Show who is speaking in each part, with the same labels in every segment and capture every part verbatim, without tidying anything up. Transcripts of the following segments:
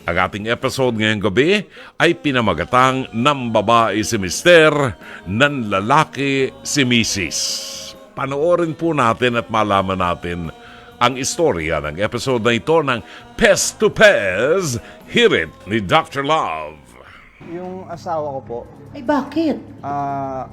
Speaker 1: Ang ating episode ngayong gabi ay pinamagatang ng babae si Mister, ng lalaki si Missus Panoorin po natin at malaman natin ang istorya ng episode na ito ng Pest to Pez, Hirit ni Doctor Love.
Speaker 2: Yung asawa ko po,
Speaker 3: Ay, bakit?
Speaker 2: ah,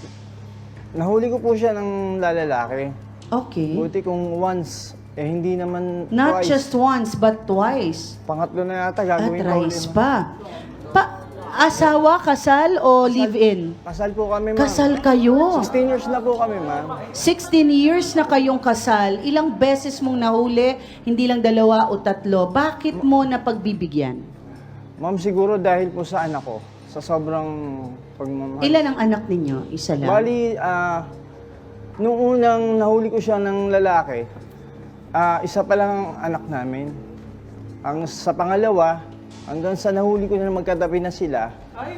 Speaker 2: nahuli ko po siya ng lalaki.
Speaker 3: Okay.
Speaker 2: Buti kung once, eh hindi naman
Speaker 3: Not
Speaker 2: twice.
Speaker 3: just once, but twice.
Speaker 2: Pangatlo na yata
Speaker 3: At
Speaker 2: gagawin ko
Speaker 3: thrice
Speaker 2: ulit.
Speaker 3: pa. Pa, asawa, kasal o live-in?
Speaker 2: Kasal po kami, ma'am.
Speaker 3: Kasal kayo.
Speaker 2: sixteen years na po kami, ma'am.
Speaker 3: sixteen years na kayong kasal. Ilang beses mong nahuli, hindi lang dalawa o tatlo. Bakit mo napagbibigyan?
Speaker 2: Ma'am, siguro dahil po sa anak ko, sa sobrang pagmamahal.
Speaker 3: Ilan ang anak ninyo? Isa lang?
Speaker 2: Bali, ah, nung unang nahuli ko siya ng lalaki, ah, isa pa lang ang anak namin. Ang sa pangalawa, hanggang sa nahuli ko na magkatabi na sila,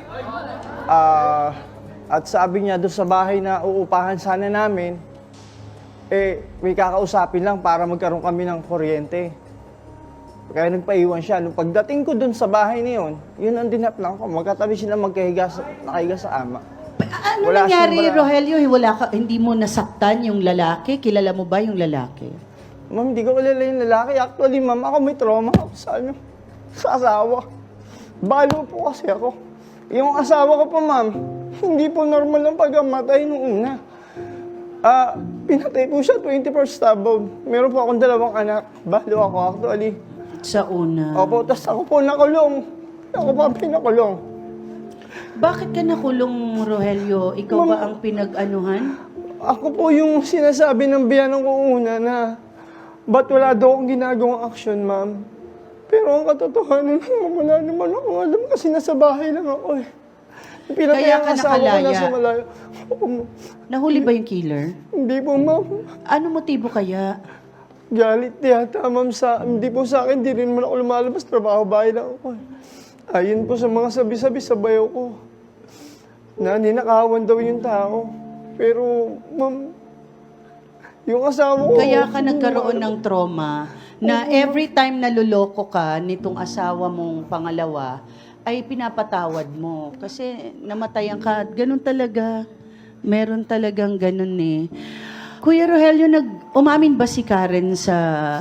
Speaker 2: ah, at sabi niya doon sa bahay na uupahan sana namin, eh, may kakausapin lang para magkaroon kami ng kuryente. Kaya nagpaiwan siya. Nung pagdating ko doon sa bahay na yun, yun ang dinaplang ko. Magkatabi sila magkahiga sa, nakahiga sa ama.
Speaker 3: Pa- Ano
Speaker 2: Wala
Speaker 3: nangyari,
Speaker 2: siyang bra-
Speaker 3: Rogelio? Wala ka, hindi mo nasaktan yung lalaki? Kilala mo ba yung lalaki?
Speaker 2: Ma'am, hindi ko kilala yung lalaki. Actually, ma'am, ako may trauma ako sa ano, sa asawa. Balo po kasi ako. Yung asawa ko po, ma'am, hindi po normal ang pagkamatay nung una. Ah, pinatay po siya twenty-four stab wound. Meron po akong dalawang anak. Balo ako actually.
Speaker 3: Sa una.
Speaker 2: Opo, tas ako po nakulong. Ako pa pinakulong.
Speaker 3: Bakit ka nakulong, Rogelio? Ikaw ba
Speaker 2: Ma'am-
Speaker 3: ang pinag-anuhan?
Speaker 2: Ako po yung sinasabi ng biyanong ko una na ba't wala daw akong ginagawang action, ma'am? Pero ang katotohanan naman, wala naman ako alam kasi nasa bahay lang ako eh. Pinatay
Speaker 3: Kaya
Speaker 2: ang
Speaker 3: ka
Speaker 2: asawa ko
Speaker 3: nakalaya?
Speaker 2: nasa malayo. Oo, ma'am.
Speaker 3: Nahuli ba yung killer?
Speaker 2: Hindi po, ma'am.
Speaker 3: Ano motibo kaya?
Speaker 2: Galit yata, ma'am, sa... Hindi po sa akin, hindi rin naman ako lumalabas. Trabaho bahay lang ako eh. Ayun po sa mga sabi-sabi sa bayo ko. Na ninakawan daw yung tao. Pero, ma'am, yung asawa ko...
Speaker 3: Kaya ka nagkaroon ng trauma na every time naluloko ka nitong asawa mong pangalawa, ay pinapatawad mo. Kasi namatayan ka. Ganun talaga. Meron talagang ganun eh. Kuya Rogelio, nag umamin ba si Karen sa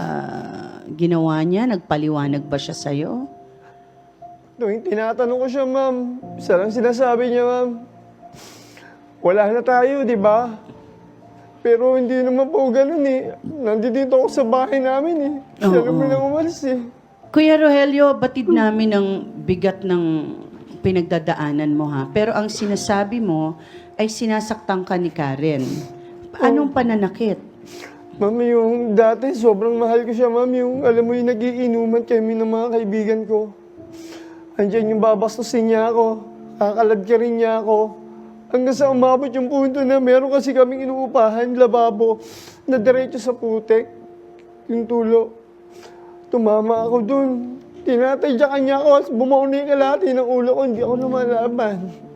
Speaker 3: ginawa niya? Nagpaliwanag ba siya sa'yo?
Speaker 2: Tuwing tinatanong ko siya, ma'am, isa lang sinasabi niya, ma'am, wala na tayo, di ba? Pero hindi naman po ganun eh. Nandito ako sa bahay namin eh. Siya
Speaker 3: Oo.
Speaker 2: naman ang umalis eh.
Speaker 3: Kuya Rogelio, batid namin ang bigat ng pinagdadaanan mo ha. Pero ang sinasabi mo ay sinasaktan ka ni Karen. Anong pananakit?
Speaker 2: Ma'am, yung dati, sobrang mahal ko siya, ma'am. Yung, alam mo, yung nagiinuman kami ng mga kaibigan ko. Andiyan yung babastusin niya ako. Kakalagkirin niya ako. Hanggang sa umabot yung punto na meron kasi kaming inuupahan, lababo, na diretso sa putek. Yung tulo. Tumama ako dun. Tinatadyakan niya ako. Bumaw na yung kalahati ng ulo ko. Hindi ako lumalaban.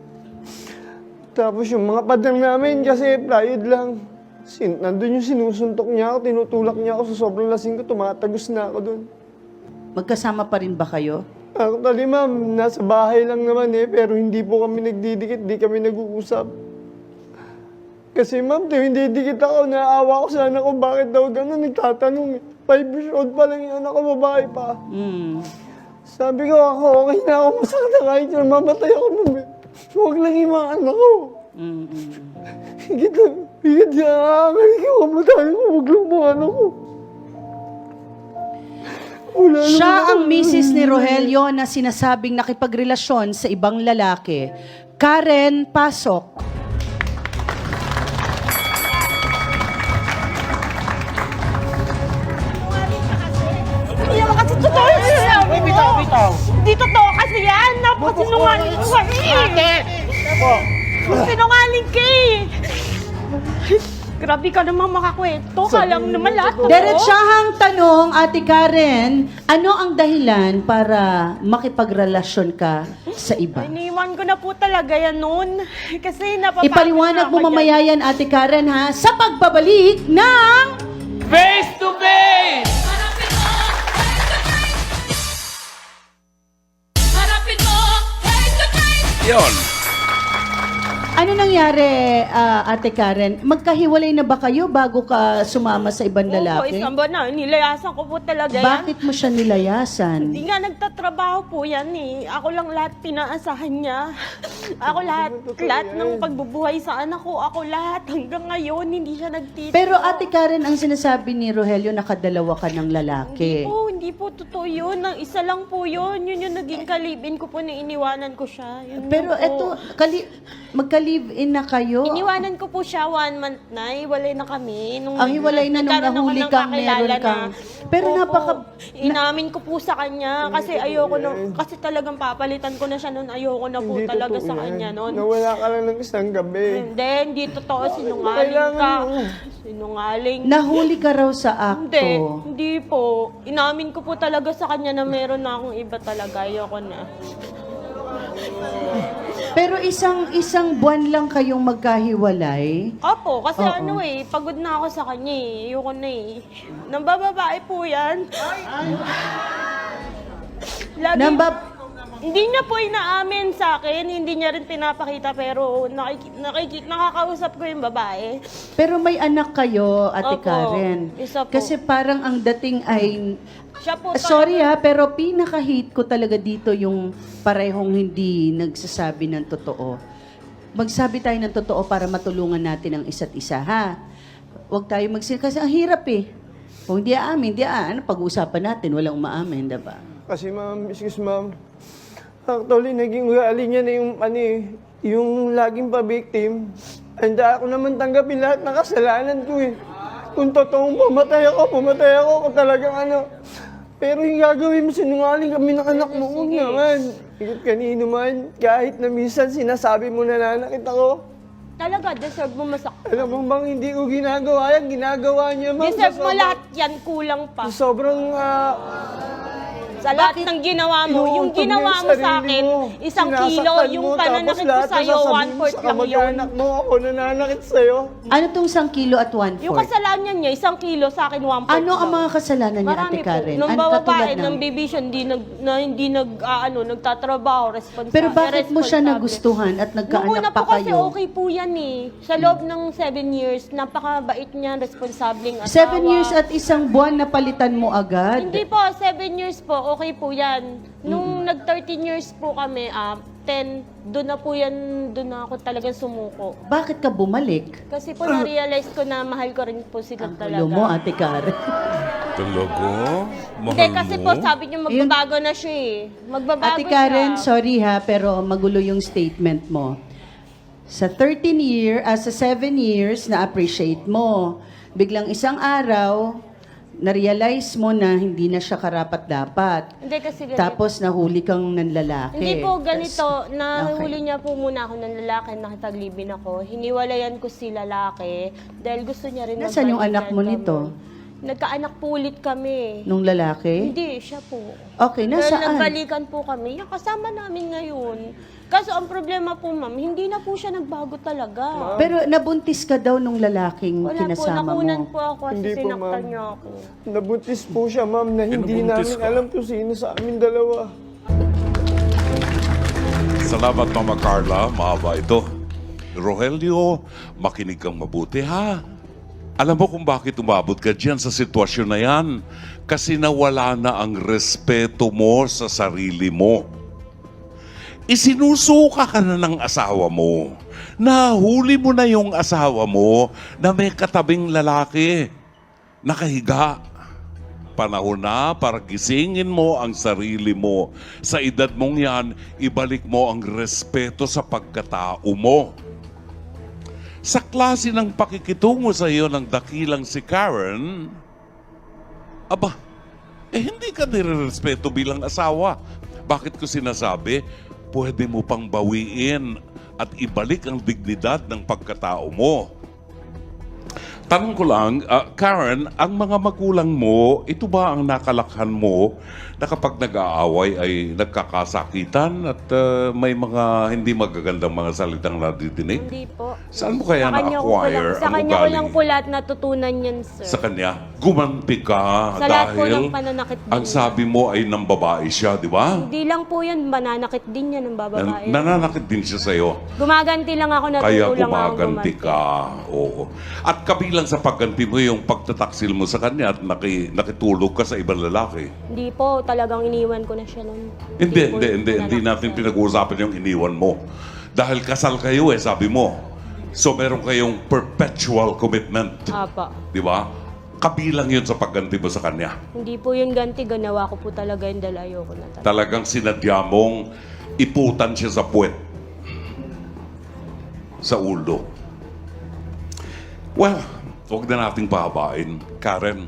Speaker 2: Tapos yung mga padang namin kasi plywood lang. Sin nandun yung sinusuntok niya ako, tinutulak niya ako sa sobrang lasing ko, tumatagos na ako dun.
Speaker 3: Magkasama pa rin ba kayo?
Speaker 2: Actually, ma'am, nasa bahay lang naman eh, pero hindi po kami nagdidikit, di kami nag-uusap. Kasi ma'am, tuwing didikit ako, naawa ko sa anak ko, bakit daw gano'n, nagtatanong eh. Five years old pa lang yung anak ko, babae pa.
Speaker 3: Hmm.
Speaker 2: Sabi ko ako, okay na ako, masakit na kahit na mamatay ako ma'am eh. Huwag lang yung mga anak ko.
Speaker 3: Mm-mm.
Speaker 2: Higit na, higit na, nakakalik yung kamatayan ko, huwag lang mga anak ko. Wala
Speaker 3: Siya
Speaker 2: naman
Speaker 3: ang
Speaker 2: ako.
Speaker 3: misis ni Rogelio na sinasabing nakipagrelasyon sa ibang lalaki. Karen Pasok.
Speaker 4: Hindi naman kasi totoo yung sinabi mo. Bitaw, bitaw. Hindi totoo kasi yan. Napakasinungaling ka eh. Ate! Sinungaling ka eh. Grabe ka naman makakwento. Kalam naman lahat totoo.
Speaker 3: Diretsahang tanong, Ate Karen, ano ang dahilan para makipagrelasyon ka sa iba?
Speaker 4: Iniwan ko na po talaga yan noon. Kasi napapagod
Speaker 3: Ipaliwanag
Speaker 4: na
Speaker 3: mo
Speaker 4: ako
Speaker 3: mamaya
Speaker 4: dyan.
Speaker 3: yan, Ate Karen, ha? Sa pagbabalik ng...
Speaker 5: Face to face!
Speaker 1: Yon.
Speaker 3: Ano nangyari, ah, Ate Karen? Magkahiwalay na ba kayo bago ka sumama sa ibang
Speaker 4: Opo,
Speaker 3: lalaki?
Speaker 4: isang buwan na. Nilayasan ko po talaga yan.
Speaker 3: Bakit mo siya nilayasan?
Speaker 4: Hindi nga nagtatrabaho po yan eh. Ako lang lahat pinaasahan niya. Ako lahat, lahat ng pagbubuhay sa anak ko. Ako lahat. Hanggang ngayon, hindi siya nagtitira.
Speaker 3: Pero Ate Karen, ang sinasabi ni Rogelio, nakadalawa ka ng lalaki.
Speaker 4: Hindi po, hindi po totoo yun. Ang isa lang po yun. Yun yung naging kalibin ko po na iniwanan ko siya. Yun
Speaker 3: Pero
Speaker 4: lang po.
Speaker 3: eto, kali, magka-live-in na kayo.
Speaker 4: Iniwanan ko po siya one month na. Hiwalay na kami. Nung
Speaker 3: Ang hiwalay na nung
Speaker 4: nagkaroon ako
Speaker 3: nahuli
Speaker 4: ng
Speaker 3: kang
Speaker 4: kakilala
Speaker 3: meron kang-
Speaker 4: na-
Speaker 3: Pero
Speaker 4: Opo,
Speaker 3: napaka-
Speaker 4: Inamin ko po sa kanya. Kasi ayoko na, kasi talagang papalitan ko na siya noon. Ayoko na po
Speaker 2: Hindi
Speaker 4: talaga
Speaker 2: totoo
Speaker 4: sa
Speaker 2: yan.
Speaker 4: kanya noon.
Speaker 2: Nawala ka lang ng isang gabi.
Speaker 4: Hindi, hindi totoo. Sinungaling
Speaker 2: Kailangan
Speaker 4: ka.
Speaker 2: mo.
Speaker 4: Sinungaling.
Speaker 3: Nahuli ka raw sa
Speaker 4: Hindi,
Speaker 3: akto.
Speaker 4: hindi po. Inamin ko po talaga sa kanya na meron na akong iba talaga. Ayoko na.
Speaker 3: Pero isang isang buwan lang kayong magkahiwalay.
Speaker 4: Opo, kasi
Speaker 3: Oo.
Speaker 4: ano eh, pagod na ako sa kanya eh. Ayoko na eh. Nambababae po yan. Lagi,
Speaker 3: Nambab
Speaker 4: hindi niya po inaamin sa akin, hindi niya rin pinapakita, pero nakiki, nakiki, nakakausap ko yung babae.
Speaker 3: Pero may anak kayo, Ate
Speaker 4: Opo,
Speaker 3: Karen.
Speaker 4: isa po.
Speaker 3: Kasi parang ang dating ay
Speaker 4: Siya po
Speaker 3: sorry
Speaker 4: talaga-
Speaker 3: ha, pero pinaka-hate ko talaga dito yung parehong hindi nagsasabi ng totoo. Magsabi tayo ng totoo para matulungan natin ang isa't isa, ha? Huwag tayo magsin... Kasi ang hirap eh. Kung hindi aamin, hindi aamin. Ano pag-uusapan natin? Walang umaamin, diba?
Speaker 2: Kasi ma'am, excuse ma'am. Actually, naging ugali niya na yung, ano eh, yung laging pa-victim. Handa ako naman tanggapin lahat ng kasalanan ko eh. Kung totoong pumatay ako, pumatay ako kung talagang ano. Pero yung gagawin mo, sinungaling kami ng anak mo, huwag naman. Ikot kanino man, kahit na minsan sinasabi mo na nanakit ako.
Speaker 4: Talaga, deserve mo masaktan.
Speaker 2: Alam mo bang hindi ko ginagawa yan, ginagawa niya ma'am.
Speaker 4: Deserve
Speaker 2: Sa
Speaker 4: mo
Speaker 2: sobrang-
Speaker 4: lahat yan, kulang pa.
Speaker 2: sa Sobrang, ah,
Speaker 4: Sa lahat ng ginawa mo, yung
Speaker 2: inuuntog
Speaker 4: ginawa
Speaker 2: yung
Speaker 4: mo sa
Speaker 2: sarili
Speaker 4: akin,
Speaker 2: mo.
Speaker 4: isang
Speaker 2: Sinasaktan
Speaker 4: kilo, yung
Speaker 2: mo, tapos
Speaker 4: pananakit ko
Speaker 2: lahat
Speaker 4: sa'yo,
Speaker 2: sasabihin
Speaker 4: one
Speaker 2: mo
Speaker 4: fourth
Speaker 2: sa
Speaker 4: lang yun.
Speaker 2: kamag-anak mo, ako nananakit sa'yo.
Speaker 3: Ano tong isang kilo at one
Speaker 4: Yung
Speaker 3: fourth?
Speaker 4: kasalanan niya, isang kilo, sa akin, one fourth
Speaker 3: Ano ang
Speaker 4: lang.
Speaker 3: mga kasalanan niya,
Speaker 4: Marami
Speaker 3: Ate Karen?
Speaker 4: po. Nung
Speaker 3: Ano
Speaker 4: babae,
Speaker 3: katulad
Speaker 4: ng
Speaker 3: ng...
Speaker 4: bibisyon, hindi nag, na, hindi nag, ah, ano, nagtatrabaho, responsable.
Speaker 3: Pero bakit mo siya
Speaker 4: responsable.
Speaker 3: nagustuhan at
Speaker 4: Nung una
Speaker 3: nagkaanak
Speaker 4: po
Speaker 3: pa
Speaker 4: kasi
Speaker 3: kayo?
Speaker 4: okay po yan eh. Sa loob ng seven years, napakabait niya, responsabling asawa.
Speaker 3: Seven years at isang buwan na palitan mo agad?
Speaker 4: Hindi po, seven years po, okay po yan. Nung nag-thirteen years po kami, ah, ten, doon na po yan, doon na ako talagang sumuko.
Speaker 3: Bakit ka bumalik?
Speaker 4: Kasi po na-realize ko na mahal ko rin po sila
Speaker 3: Ang
Speaker 4: talaga.
Speaker 3: gulo mo, Ate Karen.
Speaker 1: Talaga? Mahal
Speaker 4: Hindi, kasi
Speaker 1: mo?
Speaker 4: po sabi niyo magbabago na siya eh. Magbabago
Speaker 3: Ate Karen,
Speaker 4: siya.
Speaker 3: sorry ha, pero magulo yung statement mo. Sa thirteen year, ah, sa seven years, na-appreciate mo. Biglang isang araw, na-realize mo na hindi na siya karapat-dapat.
Speaker 4: Hindi kasi ganito.
Speaker 3: Tapos nahuli kang nanlalaki.
Speaker 4: Hindi po ganito,
Speaker 3: Tas-
Speaker 4: nahuli
Speaker 3: Okay.
Speaker 4: niya po muna ako ng lalaki, nakitaglibin ako. Hiniwalayan ko si lalaki dahil gusto niya rin
Speaker 3: Nasaan yung anak mo
Speaker 4: magbalikan
Speaker 3: nito?
Speaker 4: kami. Nagkaanak po ulit kami.
Speaker 3: Nung lalaki?
Speaker 4: Hindi, siya po.
Speaker 3: Okay,
Speaker 4: Dahil
Speaker 3: nasaan?
Speaker 4: nagbalikan po kami, yung kasama namin ngayon. Kaso ang problema po ma'am, hindi na po siya nagbago talaga.
Speaker 3: Pero nabuntis ka daw nung lalaking
Speaker 4: Wala po,
Speaker 3: kinasama
Speaker 4: nakunan
Speaker 3: mo.
Speaker 4: po ako kasi
Speaker 2: Hindi po,
Speaker 4: sinaktan
Speaker 2: ma'am.
Speaker 4: niya ako.
Speaker 2: Nabuntis po siya, ma'am, na hindi
Speaker 1: Pinabuntis
Speaker 2: namin
Speaker 1: ka?
Speaker 2: alam kung sino sa amin dalawa.
Speaker 1: Salamat, Mama Carla. Mahaba ito. Rogelio, makinig kang mabuti, ha? Alam mo kung bakit umabot ka dyan sa sitwasyon na yan? Kasi nawala na ang respeto mo sa sarili mo. Isinusuka ka na ng asawa mo. Nahuli mo na yung asawa mo na may katabing lalaki. Nakahiga. Panahon na para gisingin mo ang sarili mo. Sa edad mong yan, ibalik mo ang respeto sa pagkatao mo. Sa klase ng pakikitungo sa iyo ng dakilang si Karen, aba, eh hindi ka nire-respeto bilang asawa. Bakit ko sinasabi? Pwede mo pang bawiin at ibalik ang dignidad ng pagkatao mo. Tanong ko lang, ah, Karen, ang mga magulang mo, ito ba ang nakalakhan mo na kapag nag-aaway ay nagkakasakitan at ah, may mga hindi magagandang mga salitang nadidinig?
Speaker 4: Hindi po.
Speaker 1: Saan mo kaya
Speaker 4: Sa kanya ko po lang,
Speaker 1: na-acquire
Speaker 4: sa
Speaker 1: ang
Speaker 4: kanya ko lang
Speaker 1: ugaling
Speaker 4: po lahat natutunan yan, sir.
Speaker 1: sa kanya? gumanti ka
Speaker 4: Sa lahat po
Speaker 1: dahil
Speaker 4: ng pananakit din
Speaker 1: ang
Speaker 4: niya.
Speaker 1: sabi mo ay ng babae siya, di ba?
Speaker 4: Hindi lang po yun, mananakit din niya ng
Speaker 1: Nan-
Speaker 4: bababae.
Speaker 1: nananakit din siya sa'yo.
Speaker 4: Gumaganti lang ako,
Speaker 1: Kaya
Speaker 4: natuto lang ako
Speaker 1: gumaganti
Speaker 4: gumanti.
Speaker 1: ka. Oo. At kabilang sa pagganti mo yung pagtataksil mo sa kanya at naki, nakitulog ka sa ibang lalaki.
Speaker 4: Hindi po, talagang iniwan ko na siya nun.
Speaker 1: Hindi,
Speaker 4: po
Speaker 1: hindi, hindi. Hindi
Speaker 4: nanakit
Speaker 1: natin
Speaker 4: siya.
Speaker 1: pinag-uusapan yung iniwan mo. Dahil kasal kayo eh, sabi mo. So meron kayong perpetual commitment.
Speaker 4: Apa.
Speaker 1: Di ba? Kabilang yun sa pagganti mo sa kanya.
Speaker 4: Hindi po yun ganti, ganawa ko po talaga yun dahil ayoko na talaga.
Speaker 1: Talagang sinadya mong iputan siya sa puwet. Sa ulo. Well, huwag na nating pahabain. Karen,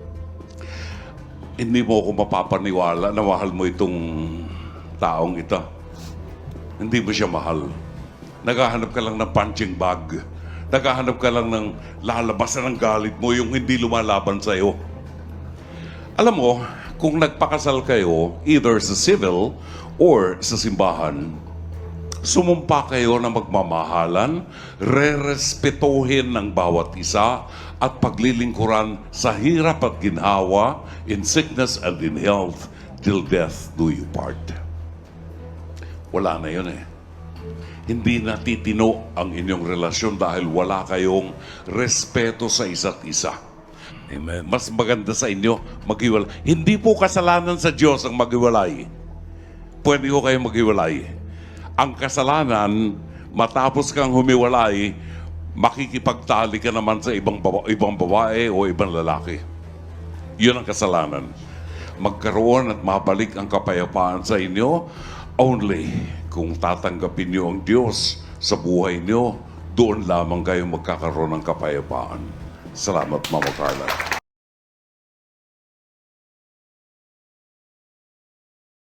Speaker 1: hindi mo ako mapapaniwala na mahal mo itong taong ito. Hindi mo siya mahal. Naghahanap ka lang ng punching bag. Naghahanap ka lang ng lalabasan ng galit mo, yung hindi lumalaban sa'yo. Alam mo, kung nagpakasal kayo, either sa civil or sa simbahan, sumumpa kayo na magmamahalan, re-respetuhin ng bawat isa, at paglilingkuran sa hirap at ginhawa, in sickness and in health, till death do you part. Wala na yun eh. Hindi natitino ang inyong relasyon dahil wala kayong respeto sa isa't isa. Amen. Mas maganda sa inyo maghiwalay. Hindi po kasalanan sa Diyos ang maghiwalay. Pwede ko kayong maghiwalay. Ang kasalanan, matapos kang humiwalay, makikipagtali ka naman sa ibang, baba, ibang babae o ibang lalaki. Yun ang kasalanan. Magkaroon at mabalik ang kapayapaan sa inyo only kung tatanggapin niyo ang Diyos sa buhay niyo, doon lamang kayo magkakaroon ng kapayapaan. Salamat, Mama Carla.